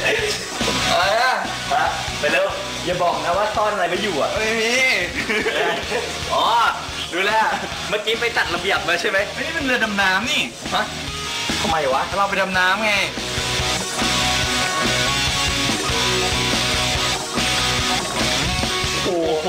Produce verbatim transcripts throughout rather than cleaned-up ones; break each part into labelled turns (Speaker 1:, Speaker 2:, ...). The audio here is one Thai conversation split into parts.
Speaker 1: อะไรอ่ะ
Speaker 2: ไปเร็วอย่าบอกนะว่าซ่อนอะไรไปอยู่อ่ะ
Speaker 1: ไม่มี
Speaker 2: อ๋อดูแลเมื่อกี้ไปตัดระเบียบมาใช่ไหม
Speaker 1: นี่เป็นเรือดำน้ำนี่
Speaker 2: ฮะทำไมวะ
Speaker 1: เราไปดำน้ำไง
Speaker 2: โอ้โห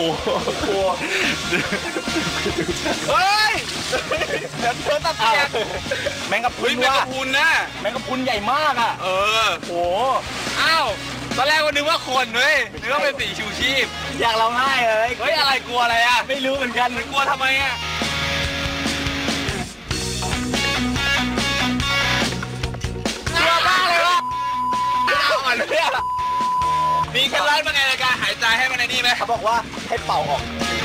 Speaker 1: เฮ้ยเดี๋ยวเธอตัดเสียง
Speaker 2: แมงกะพรุนว่ะ
Speaker 1: แมงกะพรุนนะ
Speaker 2: แมงกะพรุนใหญ่มากอ่ะ
Speaker 1: เออ
Speaker 2: โห
Speaker 1: อ้าวตอนแรกก็นึกว่าคนเว้ยนึกว่าเป็นสีชูชีพ
Speaker 2: อยากร้องไห้เลย
Speaker 1: เฮ้ยอะไรกลัวอะไรอ่ะ
Speaker 2: ไม่รู้เหมือนกัน
Speaker 1: มันกลัวทำไมอ่ะกลัวมากเลยวะอ่อนเนี่ยมีเคล็ดลับเป็นไงในการหายใจให้มันในนี่ไหม
Speaker 2: เขาบอกว่าให้เป่าออก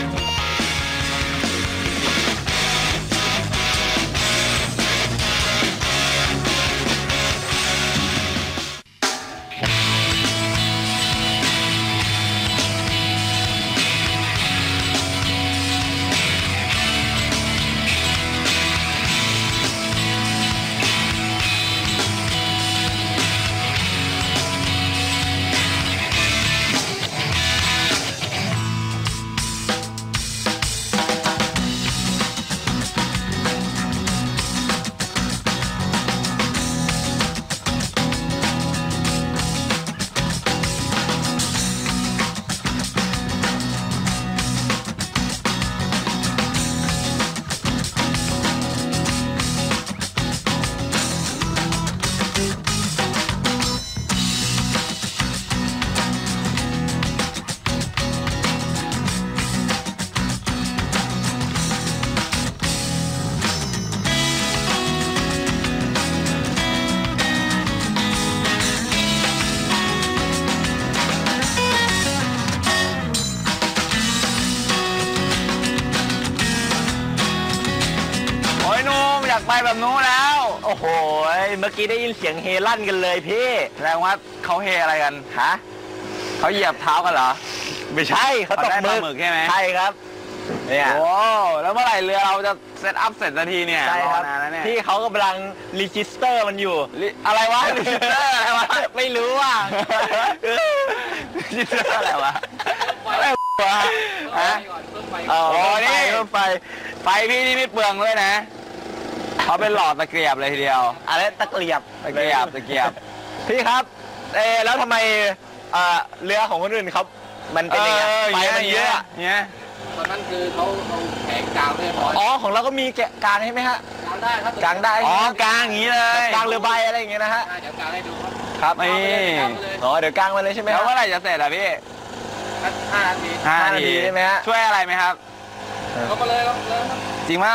Speaker 2: อยากไปแบบนู้นแล้วโอ้โหเมื่อกี้ได้ยินเสียงเฮลั่นกันเลยพี่
Speaker 1: แสดงว่าเขาเฮอะไรกัน
Speaker 2: ฮะ
Speaker 1: เขาเหยียบเท้ากันเหรอ
Speaker 2: ไม่ใช่เขาตกมือ
Speaker 1: ใช่ไหม
Speaker 2: ใช่ครับ
Speaker 1: เนี่ยโอ้แล้วเมื่อไหร่เรือเราจะเซตอัพเสร็จนาทีเนี่ย
Speaker 2: ใช่ครับพี่เขากำลังรีจิสเตอร์มันอยู่
Speaker 1: อะไรวะรีจิสเตอร์อะไรวะ
Speaker 2: ไม่รู้ว่า
Speaker 1: รีจิสเตอร์อะไรวะอะไรวะฮะ
Speaker 2: อ๋อนี่
Speaker 1: ไฟไฟพี่นี่ไม่เปลืองเลยนะเขาเป็นหลอดตะเกียบเลยทีเดียว
Speaker 2: อะไรตะเกียบ
Speaker 1: ตะเกียบตะเกียบ
Speaker 2: พี่ครับเออแล้วทำไมเรือของคนอื่นเขามันเป็นยังไงไฟมันเยอะ
Speaker 1: เนี่ย
Speaker 3: ตอนนั้นคือเขาเอาแผงกลางเรียบร้อย
Speaker 2: อ๋อของเราก็มีกลางใช่ไหมฮะ
Speaker 3: กลางได้ครับ
Speaker 2: กลางได้
Speaker 1: อ๋อกลางอย่างนี้เลย
Speaker 2: กลางเรือใบอะไรอย่างเงี้ยนะฮะ
Speaker 3: เดี๋ยวกลางให้ดูครับ
Speaker 2: ครับนี่อ๋อเดี๋ยวกลางมาเลยใช่ไหม
Speaker 1: แล้วเมื่อไหร่จะเสร็จอ่ะพี่
Speaker 3: ห้านาที
Speaker 1: ห้านาที
Speaker 2: ใช่ไหมฮะ
Speaker 1: ช่วยอะไรไหมครับ
Speaker 3: ก็มาเลยครับเลย
Speaker 1: จริงเปล่า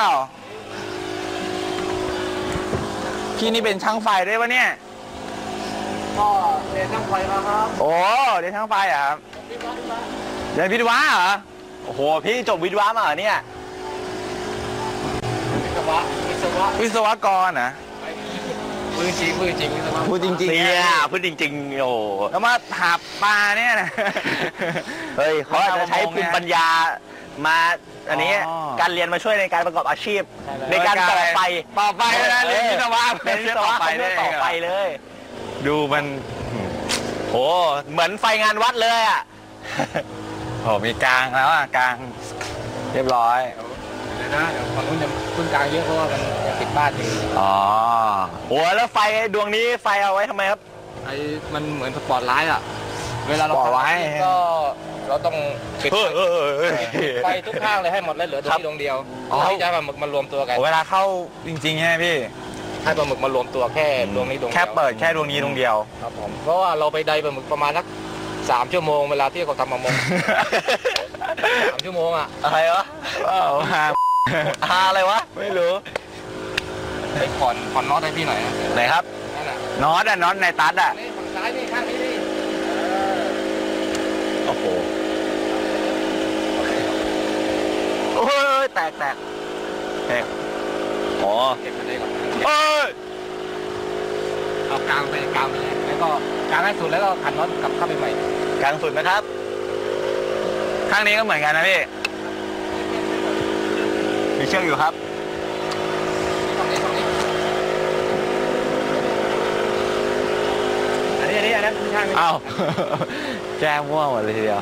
Speaker 1: พี่นี่เป็นช่างไฟด้วยปะเนี่ย
Speaker 3: ก็เรียนช่างไฟมาครับ
Speaker 1: โอ้เรียนช่างไฟเหรอครับเรียนวิศวะเหรอ
Speaker 2: โอ้โหพี่จบวิศวะมาเหรอเนี่ย
Speaker 3: วิศวะวิศวะ
Speaker 1: วิศวกรนะ
Speaker 3: พูดจริงพูดจริงวิศวะ
Speaker 1: พูดจริง
Speaker 2: เนี่ยพูดจริงๆโอ้
Speaker 1: แล้วมาหาปลาเนี่ยนะ
Speaker 2: เฮ้ยเขาอาจจะใช้ภูมิปัญญามาอันนี้การเรียนมาช่วยในการประกอบอาชีพในการต่อไฟ
Speaker 1: ต่อไฟนะเรียนวิศวะ
Speaker 2: เรียนวิศวะไปต่อไฟเลย
Speaker 1: ดูมัน
Speaker 2: โหเหมือนไฟงานวัดเลยอ่ะ
Speaker 1: โหมีกลางแล้วอ่ะกลางเรียบร้อย
Speaker 3: เดี๋ยวนะเดี๋ยวฝั่งนู้นจะขึ้นกลางเยอะเพราะว่ามันติดบ้านอยู่
Speaker 2: อ๋อโหแล้วไฟดวงนี้ไฟเอาไว้ทำไมครับ
Speaker 3: ไอ้มันเหมือนสปอตไลท์อ่ะเวลาเราไว้ก็เราต้องปิดไฟทุกข้างเลยให้หมดเลยเหลือดวงดวงเดียวที่จะปลาหมึกมารวมตัวกัน
Speaker 1: เวลาเข้าจริงๆใช่ไหมพี่
Speaker 3: ให้ปลาหมึกมารวมตัวแค่ดวงนี้ดวงเดียว
Speaker 1: แค่เปิดแค่ดวงนี้ดวงเดียว
Speaker 3: ครับผมเพราะว่าเราไปไดปลาหมึกประมาณสักสามชั่วโมงเวลาที่เขาทำประมงสามชั่วโมงอ่ะ
Speaker 2: อะไรวะ
Speaker 1: หา
Speaker 2: หาอะไรวะ
Speaker 1: ไม่รู้
Speaker 3: ไอ้ผ่อนผ่อนน็อตให้พี่หน่อย
Speaker 2: ไหนครับ
Speaker 1: น็อตอะน็อตในตัดอะ
Speaker 3: ฝั่งซ้ายนี่ข้างนี้นี่
Speaker 2: โอ้โหโอ้ยแตกแตกแตกอ๋อ
Speaker 3: เก็บมันได้ก่อน
Speaker 2: เอ้ย
Speaker 3: เอากลางไปกลางไปแล้วก็กลางให้สุดแล้วก็ขันน็อตกลับเข้าไปใหม่
Speaker 2: กลางสุดนะครับ
Speaker 1: ข้างนี้ก็เหมือนกันนะพี่
Speaker 2: มีเชือกอยู่ครับ
Speaker 3: ตรงนี้ตรงนี้
Speaker 2: อันนี้อันนี้
Speaker 3: อันนั้นไม่ใช่ไม่ใช่
Speaker 2: อ้าว แก้ม่วงหมดเลยทีเดียว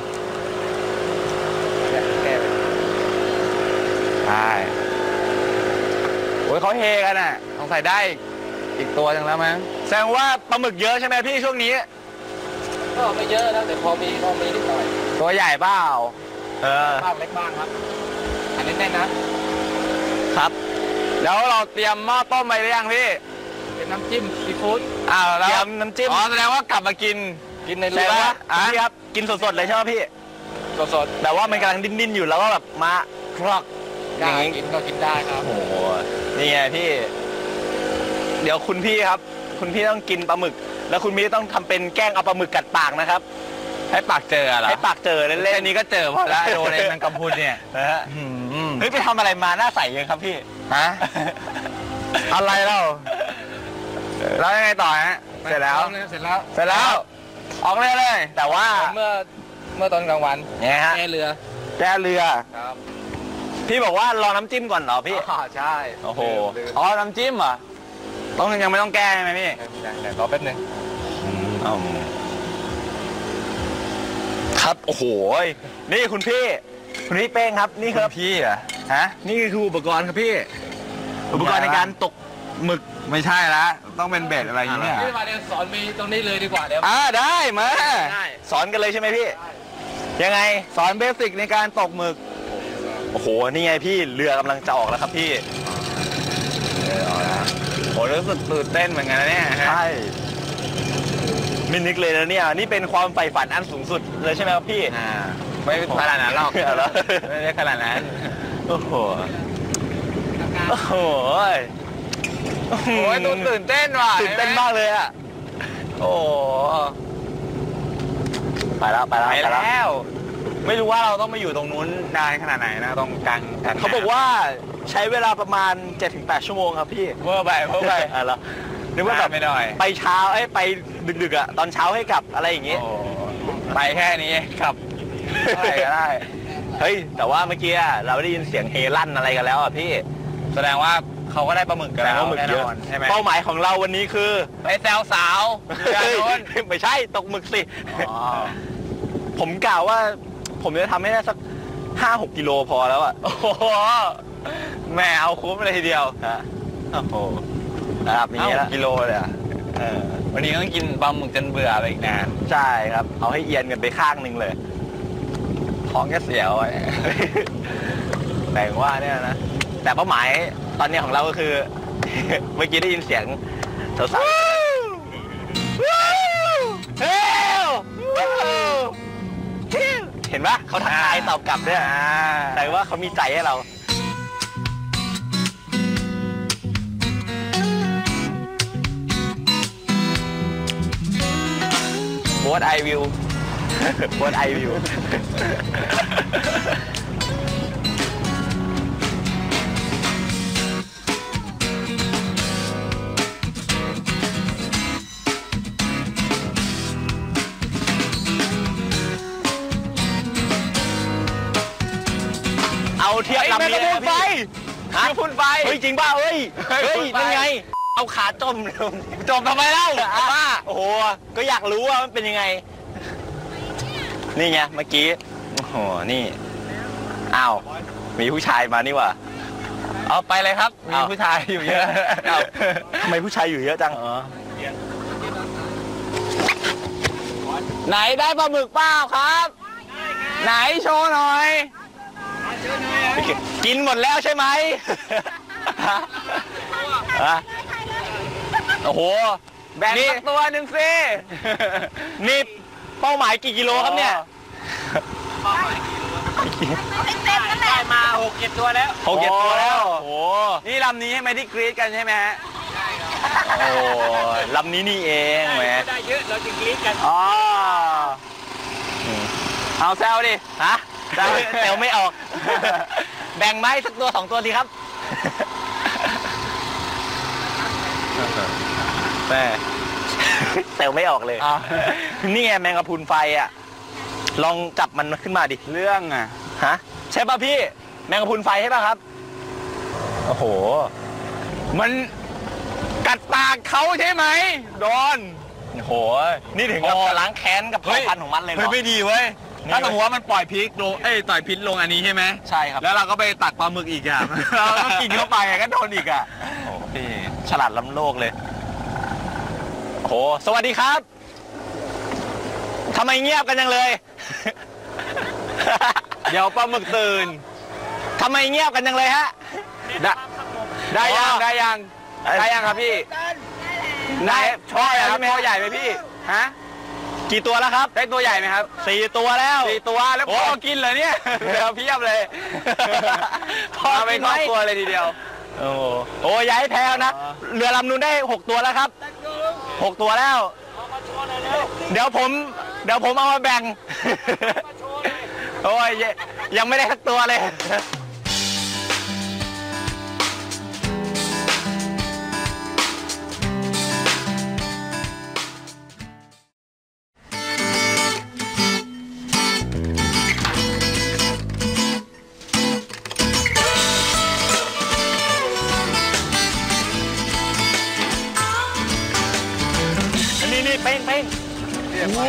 Speaker 3: แก้ไป
Speaker 2: ใช่โอ้ยเขาเฮกันอ่ะสงสัยได้อีกตัวหนึงแล้วมั้งแสดงว่าปลาหมึกเยอะใช่ไหมพี่ช่วงนี้
Speaker 3: ก็ไม่เยอะนะแต่พอมีพอมีนิดหน่อย
Speaker 2: ตัวใหญ่เปล่าเออ
Speaker 3: บ้างเล็กบ้างครับ อันนี้แน่นนะครับ
Speaker 2: แล้วเราเตรียมหม้อต้มไปหรือยังพี่
Speaker 3: เป็นน้ำจิ้มซีฟู้ด
Speaker 2: อ้าวแล้วน้ำจิ้มอ๋อแสดงว่ากลับมากิน
Speaker 3: กินใน
Speaker 2: แส
Speaker 3: เรื
Speaker 2: ด
Speaker 3: อง
Speaker 2: ว่า
Speaker 3: อ่ะ
Speaker 2: พี่ครับกินสดๆเลยใช่ไหมพี่
Speaker 3: สด
Speaker 2: แต่ว่ามันกำลังดิ้นๆอยู่แล้วก็แบบมาคลอก
Speaker 3: ๆ
Speaker 2: อ
Speaker 3: ได้
Speaker 2: ย่างงี้
Speaker 3: กินก็กินได้ครับ
Speaker 2: โอ้โหนี่ไงพี่ เดี๋ยวคุณพี่ครับ คุณพี่ต้องกินปลาหมึก แล้วคุณพี่ต้องทำเป็นแกล้งเอาปลาหมึกกัดปากนะครับ ให้ปากเจอเหรอให้ปากเจอเล่นๆ
Speaker 3: แค่นี้ก็เจอพอแล้วโดนไอ้แมงกะพรุนเนี่ย
Speaker 2: นะฮะเฮ้ยไปทำอะไรมาหน้าใสยังครับพี่
Speaker 3: ฮะ
Speaker 2: อะไรเล่าแล้วยังไงต่อฮะเสร็จแล้ว
Speaker 3: เสร็จแล้ว
Speaker 2: เสร็จแล้ว ออกเลยเลย แต่ว่า
Speaker 3: เมื่อเมื่อตอนกลางวัน
Speaker 2: เนี่ยฮะ
Speaker 3: แก้เรือ
Speaker 2: แก้เรือ
Speaker 3: ครับ
Speaker 2: พี่บอกว่ารอน้ำจิ้มก่อนเหรอพี่
Speaker 3: อ๋อใช่
Speaker 2: โอ้โห
Speaker 3: ลืม
Speaker 2: อ๋อ น้ำจิ้มเหรอ ต้องยังไม่ต้องแก้ใช่ไหมพี่
Speaker 3: ลืมเดี๋ยวรอแป๊บนึง
Speaker 2: ครับ โอ้โห นี่คุณพี่ คุณพี่เป้งครับ นี่คือพี่อ่ะฮะ นี่คืออุปกรณ์ครับพี่ อุปกรณ์ในการตกหมึกไม่ใช่ละต้องเป็นเบ็ดอะไรอย่างเงี้ย
Speaker 3: พี่มาเดี๋ยวสอนมีตรงนี้เลยดีกว่าเดี๋ยว
Speaker 2: อ่าได้มา
Speaker 3: ได้
Speaker 2: สอนกันเลยใช่ไหมพี่ ยังไงสอนเบสิกในการตกหมึก โอ้โห นี่ไงพี่เรือกำลังจะออกแล้วครับพี่เออออกแล้วโหรู้สึกตื่นเต้นเหมือนกันนะเนี่ยใช่มินิกเลยนะเนี่ยนี่เป็นความใฝ่ฝันอันสูงสุดเลยใช่ไหมครับพี่อ่าไม่ขนาดนั้นหรอกไม่ได้ขนาดนั้นโอ้โหโอ้โหโอ้โหตื่นเต้นว่ะตื่นเต้นมากเลยอ่ะโอ้ไปแล้วไปแล้วไปแล้ว ไม่รู้ว่าเราต้องมาอยู่ตรงนู้นนานขนาดไหนนะตรงกลางเขาบอกว่าใช้เวลาประมาณ เจ็ดถึงแปด ชั่วโมงครับพี่เมื่อไปเมื่อไปอ่ะแล้วนึกว่าแบบไปหน่อยไปเช้าไอ้ไปดึกๆอ่ะตอนเช้าให้กลับอะไรอย่างงี้ไปแค่นี้ครับอะไรก็ได้เฮ้ยแต่ว่าเมื่อกี้เราได้ยินเสียงเฮลั่นอะไรกันแล้วอ่ะพี่แสดงว่าเขาก็ได้ปลาหมึกกันแล้วแน่นอนใช่ไหมเป้าหมายของเราวันนี้คือไปแซวสาวไม่ใช่ตกหมึกสิผมกล่าวว่าผมจะทำให้ได้สักห้าหกกิโลพอแล้วอ่ะ โอ้โห แม่เอาคุ้มเลยทีเดียวฮะโอ้โหระดับนี้แล้วกิโลเลยอ่ะวันนี้ต้องกินปลาหมึกจนเบื่อไปอีกนาน ใช่ครับ เอาให้เอียนกันไปข้างหนึ่งเลย ท้องแค่เสียวอ่ะ แต่ว่าเนี่ยนะ แต่เป้าหมายตอนนี้ของเราก็คือ เมื่อกี้ได้ยินเสียงสาวๆเห็นปะเขาทักทายตอบกลับด้วยแต่ว่าเขามีใจให้เรา What I will What I will เอาเทียบลำนี้เลยพี่ฮะพุ่นไฟเฮ้ยจริงป่ะเฮ้ยเฮ้ยนั่นไงเอาขาจมจมทำไมเล่าป้าโอ้โหก็อยากรู้ว่ามันเป็นยังไงนี่ไงเมื่อกี้โอ้โหนี่อ้าวมีผู้ชายมานี่ว่ะเอาไปเลยครับมีผู้ชายอยู่เยอะทำไมผู้ชายอยู่เยอะจังไหนได้ปลาหมึกเปล่าครับไหนโชว์หน่อยกินหมดแล้วใช่ไหมโอ้โหแบ่งสักตัวหนึ่งสินี่เป้าหมายกี่กิโลครับเนี่ยได้มาหกเจ็ดตัวแล้วหกเจ็ดตัวแล้วโอ้โหนี่ลำนี้ใช่ไหมที่กรี๊ดกันใช่ไหมฮะโอ้ลำนี้นี่เองแหมได้เยอะเราจะกรี๊ดกันอ๋อเอาแซวดิฮะแซวไม่ออกแบ่งไม้สักตัวสองตัวดีครับแม่แซวไม่ออกเลยนี่ไงแมงกะพรุนไฟอ่ะลองจับมันขึ้นมาดิเรื่องอ่ะฮะใช่ป่ะพี่แมงกะพรุนไฟใช่ป่ะครับโอ้โหมันกัดปากเขาใช่ไหมโดนโอ้โหนี่ถึงกับล้างแค้นกับเผ่าพันธุ์ของมันเลยเหรอ
Speaker 1: เฮ้ยไม่ดีเว้ยถ้าสมมติว่ามันปล่อยพริกลงเอ้ยต่อยพิษลงอันนี้ใช่ไหม
Speaker 2: ใช่ครับ
Speaker 1: แล้วเราก็ไปตักปลาหมึกอีกอ่ะ เราก็กินเข้าไปก็โดนอีกอ่ะ
Speaker 2: โอ้พี่ฉลาดล้ำโลกเลยโอ้สวัสดีครับทำไมเงียบกันจังเลย
Speaker 1: เดี๋ยวปลาหมึกตื่น
Speaker 2: ทำไมเงียบกันจังเลยฮะได้ได้ยังได้ยังได้ยังครับพี่ได้ช่อใหญ่ครับช่อใหญ่ไหมพี่ฮะกี่ตัวแล้วครับได้ตัวใหญ่ไหมครับสี่ตัวแล้วสี่ตัวแล้วพ่อกินเลยเนี่ยเดี๋ยวเพียบเลยพ่อไปครอบครัวเลยทีเดียวโอ้โหย้ายแพวนะเรือลำนู้นได้หกตัวแล้วครับหกตัวแล้วเดี๋ยวผมเดี๋ยวผมเอามาแบ่งโอ้ยยังไม่ได้สักตัวเลยนี่นี่เป้งเป้งโอ้โห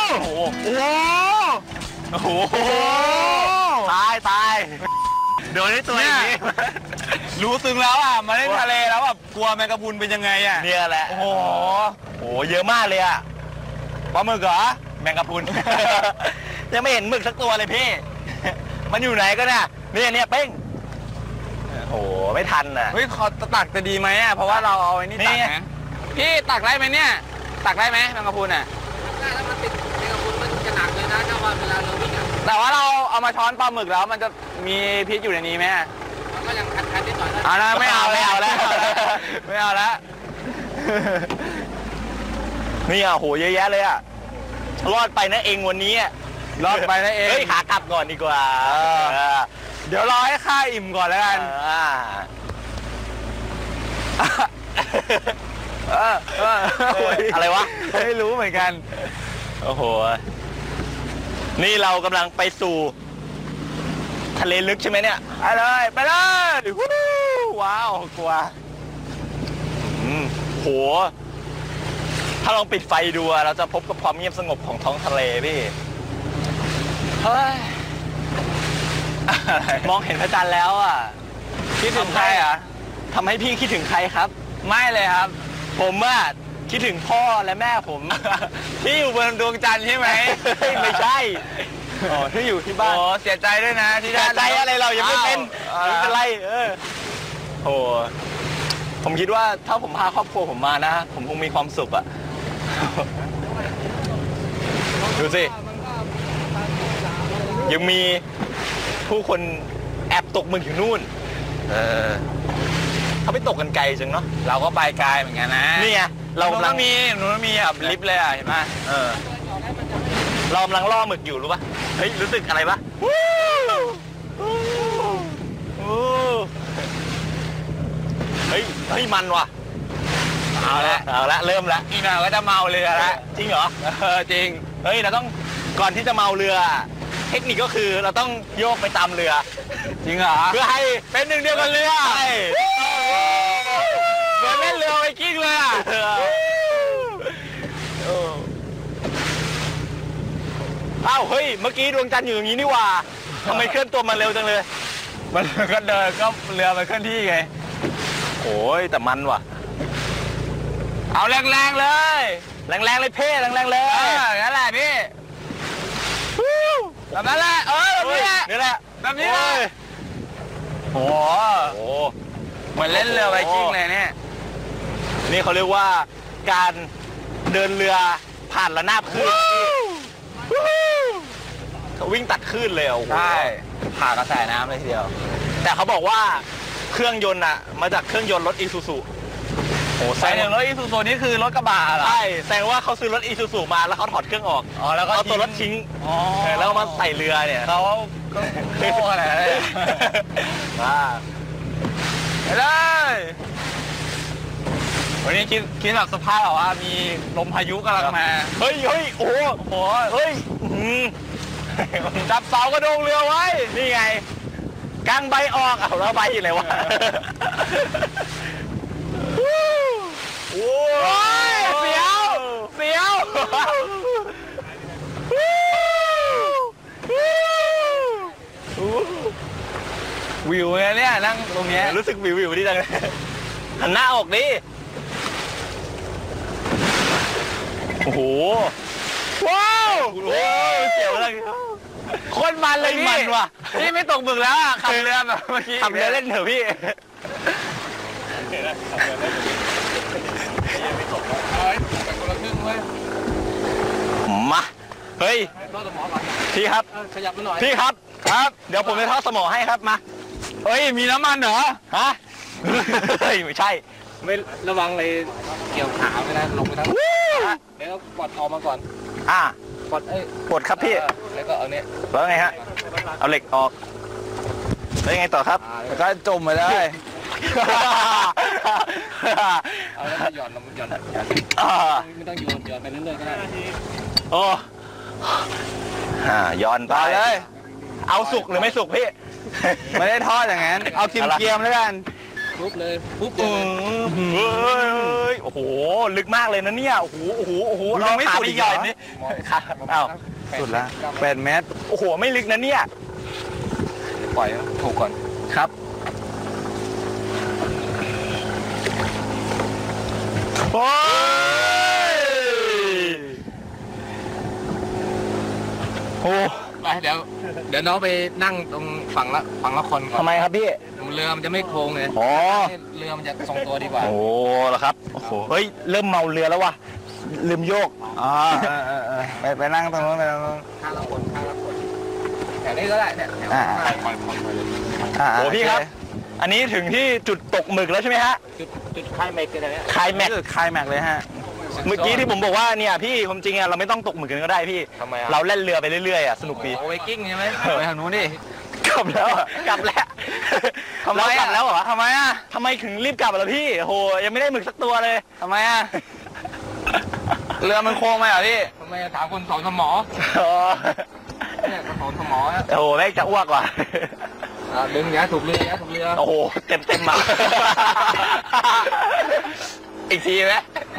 Speaker 2: โอ้โหโอ้โหตายตายโดนได้ตัวอย่างนี้
Speaker 1: รู้ซึ้งแล้วอ่ะมาเล่นทะเลแล้วแบบกลัวแมงกะพรุนเป็นยังไงอ่ะ
Speaker 2: เนี่ยแหละ
Speaker 1: โอ้โห
Speaker 2: โอ้เยอะมากเลยอ่ะปลาหมึกเหรอแมงกะพรุน ยังไม่เห็นหมึกสักตัวเลยพี่มันอยู่ไหนก็เนี่ยเนี่ยเนี่ยเป้งโอ้ไม่ทันอ่ะ
Speaker 1: เฮ้ยขอตักจะดีไหมอ่ะเพราะว่าเราเอาไอ้นี่ตักนะพี่ตักได้ไหมเนี่ยตักได้ไหมแมงกะพรุนอ่ะ
Speaker 3: ได้แล้วมันติดแมงกะพรุนมันจะหนักเลยนะถ้าว่าเวลาเราวิ่งอ่ะ
Speaker 1: แต่ว่าเราเอามาช้อนปลาหมึกแล้วมันจะมีพิษอยู่ในนี้ไหม
Speaker 3: ก็ยังคันๆนิดหน่อย
Speaker 1: เอาละไม่เอาไม่เอาแล้วไม่เอาแล้ว
Speaker 2: นี่อ่ะโหเยอะแยะเลยอ่ะรอดไปนะเองวันนี้
Speaker 1: รอดไปนะเอง
Speaker 2: เฮ้ยขากลับก่อนดีกว่า
Speaker 1: เดี๋ยวรอให้ข้าอิ่มก่อนแล้วกัน
Speaker 2: อะไรวะ
Speaker 1: ไม่รู้เหมือนกัน
Speaker 2: โอ้โหนี่เรากำลังไปสู่ทะเลลึกใช่ไหมเนี่ย
Speaker 1: ไปเลยไปเลยว้าวกลัว
Speaker 2: อืมโหถ้าลองปิดไฟดูเราจะพบกับความเงียบสงบของท้องทะเลพี่
Speaker 1: เฮ้ย
Speaker 2: มองเห็นพระจันทร์แล้วอ่ะ
Speaker 1: คิดถึงใครอ่ะ
Speaker 2: ทำให้พี่คิดถึงใครครับ
Speaker 1: ไม่เลยครับ
Speaker 2: ผมอ่ะคิดถึงพ่อและแม่ผม
Speaker 1: ที่อยู่บนดวงจันทร์ใช่ไหม
Speaker 2: ไม่ใช่อ๋อที่อยู่ที่บ้าน
Speaker 1: โอ้เสียใจด้วยนะที่
Speaker 2: เสียใจอะไรเรายังไม่เป็นไม่เป็นไรเออโอ้ผมคิดว่าถ้าผมพาครอบครัวผมมานะผมคงมีความสุขอ่ะดูสิยังมีผู้คนแอบตกหมึกอยู่นู่นเออเขาไปตกกันไกลจังเนาะ
Speaker 1: เราก็ไปไกลเหมือนกันนะ
Speaker 2: นี่ไงเรากำลัง
Speaker 1: มีหนูมีแบบลิฟต์เลยอ่ะเห็นไหม
Speaker 2: เออเรากำลังล่อหมึกอยู่รู้ป่ะเฮ้ยรู้สึกอะไรป่ะเฮ้ยเฮ้ยมันว่ะ
Speaker 1: เอาละ
Speaker 2: เอาละเริ่มละ
Speaker 1: อีกหน่อยก็จะเมาเรือละ
Speaker 2: จริงเหรอ
Speaker 1: เออจริง
Speaker 2: เฮ้ยเราต้องก่อนที่จะเมาเรือเทคนิคก็คือเราต้องโยกไปตามเรือ
Speaker 1: จริงเหรอ
Speaker 2: เพื่อให้
Speaker 1: เป็นหนึ่งเดียวกันเรือ
Speaker 2: ใช่
Speaker 1: เหมือนเล่นเรือไวกิ้งเลยอ่ะ
Speaker 2: อ้าวเฮ้ยเมื่อกี้ดวงจันทร์อยู่อย่างนี้นี่ว่าทำไมเคลื่อนตัวมาเร็วจังเลย
Speaker 1: มันก็เดินก็เรือมันเคลื่อนที่ไง
Speaker 2: โอ้ยแต่มันว่ะ
Speaker 1: เอาแรงๆเลย
Speaker 2: แรงๆเลยเพ่แรงๆเลย
Speaker 1: เออนั่นแหละพี่แบบนั้นแหละเออแบบนี้แหละ
Speaker 2: นี่แหละ
Speaker 1: แบบนี้เลยโอ้โหเหมือนเล่นเรือไวกิ้งเลยเนี่ย
Speaker 2: นี่เขาเรียกว่าการเดินเรือผ่านระนาบคลื่นเขาวิ่งตัดคลื่นเลยอ่ะ
Speaker 1: ใช่ผ่ากระแสน้ำเลยทีเดียว
Speaker 2: แต่เขาบอกว่าเครื่องยนต์อ่ะมาจากเครื่องยนต์รถอีซูซุ
Speaker 1: โอ้แสดงรถอีซูซุนี่คือรถกระบะเหรอ
Speaker 2: ใช่แสดงว่าเขาซื้อรถอีซูซุมาแล้วเขาถอดเครื่องออก
Speaker 1: อ๋อแล้วก็
Speaker 2: เอาตัวรถทิ้ง
Speaker 1: อ๋อ
Speaker 2: แล้วมาใส่เรือเนี่ย
Speaker 1: เขาก็โง่ขนาดนั้น
Speaker 2: ว้า
Speaker 1: ไปเลยวันนี้คิดคิดแบบสภาพแบบว่ามีลมพายุกำลังมา
Speaker 2: เฮ้ยเฮ้ยโอ้โหเฮ้ย
Speaker 1: จับเสากระโดงเรือไว้
Speaker 2: นี่ไงกางใบออกเอาแล้วใบอะไรวะ
Speaker 1: โอ้ยเสียวเสี
Speaker 2: ฟี้ยววิวเนี่ยนั่งตรงนี้รู้สึกวิววิวดีจังเลยหันหน้าออกดิโอ้โหว้าวโอ้โหเสียวเลยโคตรมันเลยพี่มันว่ะนี่ไม่ตกหมึกแล้วอ่ะขับเรือแบบเมื่อกี้ขับเรือเล่นเถอะพี่มาเฮ้ยพี่ครับขยับมาหน่อยพี่ครับครับเดี๋ยวผมจะทอดสมอให้ครับมาเฮ้ยมีน้ำมันเหรอฮะเฮ้ยไม่ใช่
Speaker 3: ไม่ระวังเลยเกี่ยวขาไม่ได้ลงไปทั้งเดี๋ยวปลดออกมาก่อน
Speaker 2: อ่า
Speaker 3: ปลดเอ้ย
Speaker 2: ปลดครับพี่
Speaker 3: แล้วก็เอาเนี้ย
Speaker 2: แล้วไงฮะเอาเหล็กออกแล้วยังไงต่อครับแล้วก็จมไปได้
Speaker 3: เอาแล้วก็หย่อนหย่อนไม่ต้องโยนหย่อนไปเรื่อยๆก็ได้
Speaker 2: โอ้อ่าย้อนไปเลยเอาสุกหรือไม่สุกพี่ไม่ได้ทอดอย่างนั้นเอาเคียมๆแล้วกัน
Speaker 3: ปุ๊บเลยปุ๊บ
Speaker 2: เลยโอ้โหลึกมากเลยนะเนี่ยโอ้โหโอ้โหโอ้โหเราไม่สุดใหญ่นี่อ้าวสุดละแปดเมตรโอ้โหไม่ลึกนะเนี่ย
Speaker 3: ปล่อยถูกก่อน
Speaker 2: ครับโอ้ยโอ้
Speaker 3: ไปเดี๋ยวเดี๋ยวน้องไปนั่งตรงฝั่งละฝั่งละคนก่อน
Speaker 2: ทำไมครับพี่
Speaker 3: เรือมันจะไม่โค้งเลย
Speaker 2: อ๋อ
Speaker 3: เรือมันจะทรงตัวดีกว่า
Speaker 2: โอ้เหรอครับโอ้โหเฮ้ยเริ่มเมาเรือแล้ววะลืมโยกอ๋อไปไปนั่งตรงนู้นไปตรงนู้น
Speaker 3: ข้างละคนข้างละคนแถวนี้ก็ได้เนี่ย
Speaker 2: อ่าโอ้พี่ครับอันนี้ถึงที่จุดตกหมึกแล้วใช่ไหมฮะ
Speaker 3: จุดจุดคลายแม็กกันเลย
Speaker 2: คลายแม็กคลายแม็กเลยฮะเมื่อกี้ที่ผมบอกว่าเนี่ยพี่ผมจริงอะเราไม่ต้องตกหมึกกันก็ได้พี่เราเล่นเรือไปเรื่อยๆอะสนุกดี
Speaker 3: โอเวกิ้งใช่ไหม
Speaker 2: ไปทางนู้นดิกลับแล้วกลับแล้วทำไมกลับแล้วเหรอทำไมอะทำไมถึงรีบกลับล่ะพี่โหยังไม่ได้หมึกสักตัวเลยทำไมอะเรือมันโค้งไหมอ่ะพี่
Speaker 3: ทำไมถามคนสอนสมอเนี่ยสอนสมอ
Speaker 2: โอ้โหแม่งจะอ้วกว่ะ
Speaker 3: ดึงเนี้ยถูกเรือเนี้ยถูกเรือ
Speaker 2: โอ้โหเต็มเต็มมาอีกทีไหม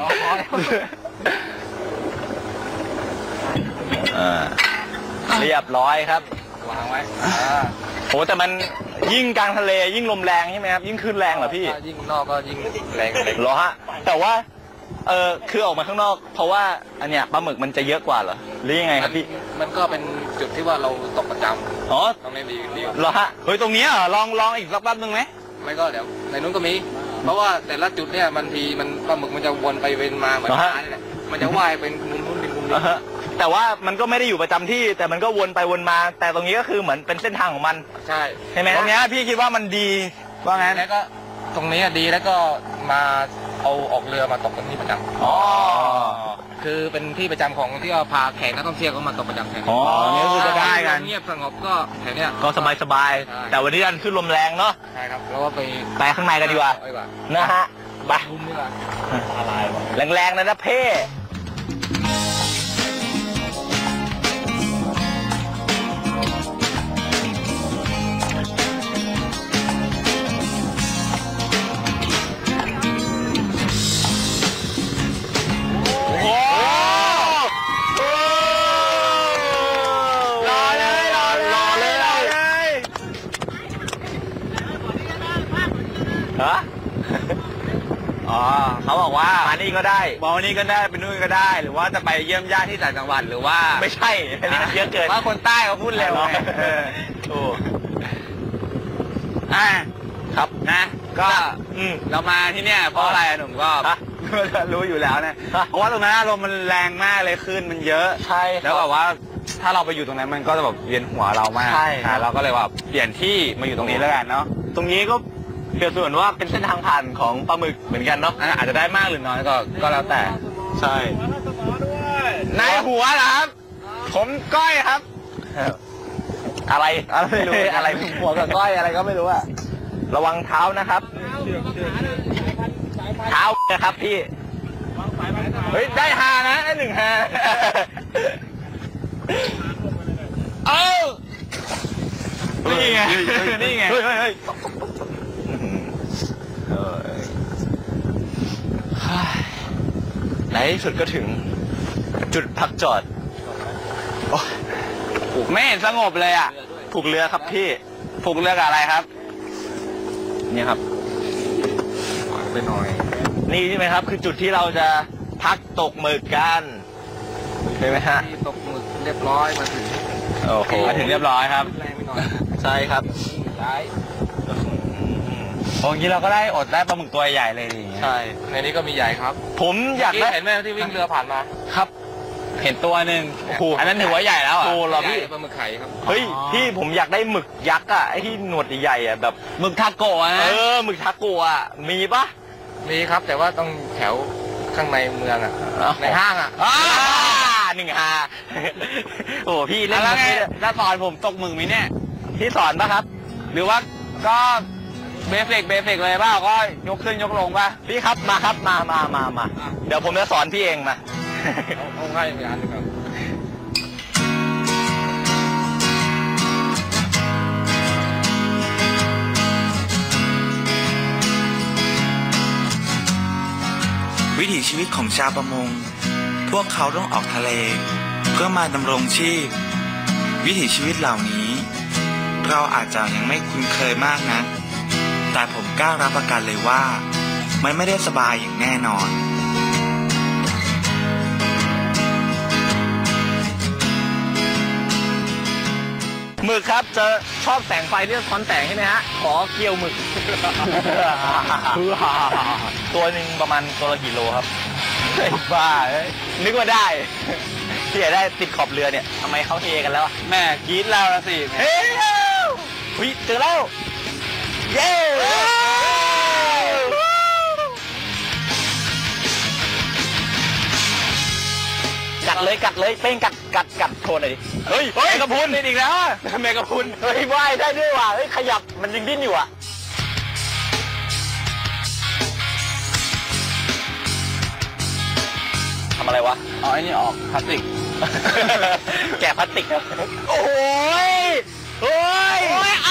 Speaker 2: เรียบร้อยครับ
Speaker 3: วางไว้
Speaker 2: โหแต่มันยิ่งกลางทะเลยิ่งลมแรงใช่ไหมครับยิ่งขึ้นแรงเหรอพี่
Speaker 3: ยิ่งนอกก็ยิ่งแรง
Speaker 2: เหรอฮะแต่ว่าเออคือออกมาข้างนอกเพราะว่าอันเนี้ยปลาหมึกมันจะเยอะกว่าเหรอหรือยังไงครับพี่
Speaker 3: มันก็เป็นจุดที่ว่าเราตกประจำ
Speaker 2: อ๋อ
Speaker 3: ตรงนี้ดีดี
Speaker 2: เหรอฮะเฮ้ยตรงนี้เหรอลองลองอีกสักแป๊บนึงไหม
Speaker 3: ไม่ก็เดี๋ยวในนู้นก็มีเพราะว่าแต่ละจุดเนี่ยบางทีมันปลาหมึกมันจะวนไปเวนมาเหมือนน้ำนี่แหละมันจะว่ายเป็นมุมนู้นเป็นมุมนี้
Speaker 2: แต่ว่ามันก็ไม่ได้อยู่ประจำที่แต่มันก็วนไปวนมาแต่ตรงนี้ก็คือเหมือนเป็นเส้นทางของมัน
Speaker 3: ใช่
Speaker 2: ใช่ไหมตรงนี้พี่คิดว่ามันดีว่างั้น
Speaker 3: แล้วก็ตรงนี้ดีแล้วก็มาเอาออกเรือมาตกตรงนี้ประจำ
Speaker 2: อ๋อ
Speaker 3: คือเป็นที่ประจำของที่เราพาแขกนักท่องเที่ยวก็มาตกประจำแถวนี้
Speaker 2: อ๋อนี่คือจะได้กัน
Speaker 3: เงียบสงบก็แถวนี้
Speaker 2: ก็สบายสบายแต่วันนี้ดันขึ้นลมแรงเนาะ
Speaker 3: ใช่ครับแล้วก็ไป
Speaker 2: ไปข้างในกันดีกว่านะฮะไปแรงๆนะนะเพ่ฮะอ๋อเขาบอกว่ามานี่ก็ได้มานี่ก็ได้ไปนู่นก็ได้หรือว่าจะไปเยี่ยมญาติที่ต่างจังหวัดหรือว่าไม่ใช่อันนี้มันเยอะเกินว่าคนใต้เขาพูดเร็วไงโอ้อ่าครับนะก็เรามาที่เนี่ยเพราะอะไรหนุ่มก็รู้อยู่แล้วนะเพราะว่าตรงนั้นลมมันแรงมากเลยขึ้นมันเยอะใช่แล้วแบบว่าถ้าเราไปอยู่ตรงนั้นมันก็จะแบบเวียนหัวเรามากใช่เราก็เลยแบบเปลี่ยนที่มาอยู่ตรงนี้แล้วกันเนาะตรงนี้ก็เกี่ยวส่วนว่าเป็นเส้นทางผ่านของปลาหมึกเหมือนกันเนาะอาจจะได้มากหรือน้อยก็ก็แล้วแต่ใช่นายหัวเหรอครับผมก้อยครับอะไรอะไรไม่รู้อะไรหัวกับก้อยอะไรก็ไม่รู้อะระวังเท้านะครับเท้านะครับพี่เฮ้ยได้ฮานะได้หนึ่งฮาเอ้านี่ไงนี่ไงในที่สุดก็ถึงจุดพักจอดไม่เห็นสงบเลยอ่ะผูกเรือครับพี่ผูกเรือกับอะไรครับนี่ครับไปหน่อยนี่ใช่ไหมครับคือจุดที่เราจะพักตกหมึกกันใช่ไหมฮะ
Speaker 3: ตกหมึกเรียบร้อยมาถึง
Speaker 2: โอ้โหมาถึงเรียบร้อยครับใช่ครับ
Speaker 3: ย้าย
Speaker 2: ตรงนี้เราก็ได้อดได้ปลาหมึกตัวใหญ่เลยใช่
Speaker 3: ในนี้ก็มีใหญ่ครับ
Speaker 2: ผมอยากได้
Speaker 3: เห็นไหมที่วิ่งเรือผ่านมา
Speaker 2: ครับเห็นตัวหนึ่งอันนั้นถือว่าใหญ่แล้วอ่ะโอ้เราพี่
Speaker 3: ปลาหมึกไข่ครับ
Speaker 2: เฮ้ยพี่ผมอยากได้หมึกยักษ์อ่ะไอ้ที่หนวดใหญ่ๆอ่ะแบบหมึกทาโกะนะเออหมึกทาโกะอ่ะมีปะ
Speaker 3: มีครับแต่ว่าต้องแถวข้างในเมืองอ่ะในห้างอ่ะ
Speaker 2: หนึ่งฮาโอ้พี่เล่นแล้วไงแล้วสอนผมตกหมึกมีเนี่ยพี่สอนปะครับหรือว่าก็เบสิกเบสิกเลยป่ะก็ยกขึ้นยกลงป่ะพี่ครับมาครับมามามามาเดี๋ยวผมจะสอนพี่เองมา
Speaker 3: เอาง่ายอย่างนั้นครับ
Speaker 4: วิถีชีวิตของชาวประมงพวกเขาต้องออกทะเลเพื่อมาดำรงชีพวิถีชีวิตเหล่านี้เราอาจจะยังไม่คุ้นเคยมากนะแต่ผมกล้ารับประกันเลยว่ามันไม่ได้สบายอย่างแน่นอน
Speaker 2: หมึกครับจะชอบแสงไฟที่สะท้อนแสงใช่ไหมฮะขอเกี่ยวหมึกตัวหนึ่งประมาณตัวละกี่โลครับบ้านึกว่าได้ที่จะได้ติดขอบเรือเนี่ยทำไมเขาเทกันแล้วแม่กรี๊ดแล้วละสิเฮ้ยเจอแล้วเย้กัดเลยกัดเลยเป้งกัดกัดกัดโทนหน่อยดิเฮ้ยแมงกะพรุนนี่อีกแล้วแมงกะพรุนเฮ้ยว่ายได้ด้วยว่ะเฮ้ยขยับมันยังดิ้นอยู่อ่ะทำอะไรวะ
Speaker 3: เอาไอ้นี่ออกพลาสติก
Speaker 2: แกะพลาสติกครับโอ้ยโอ้ย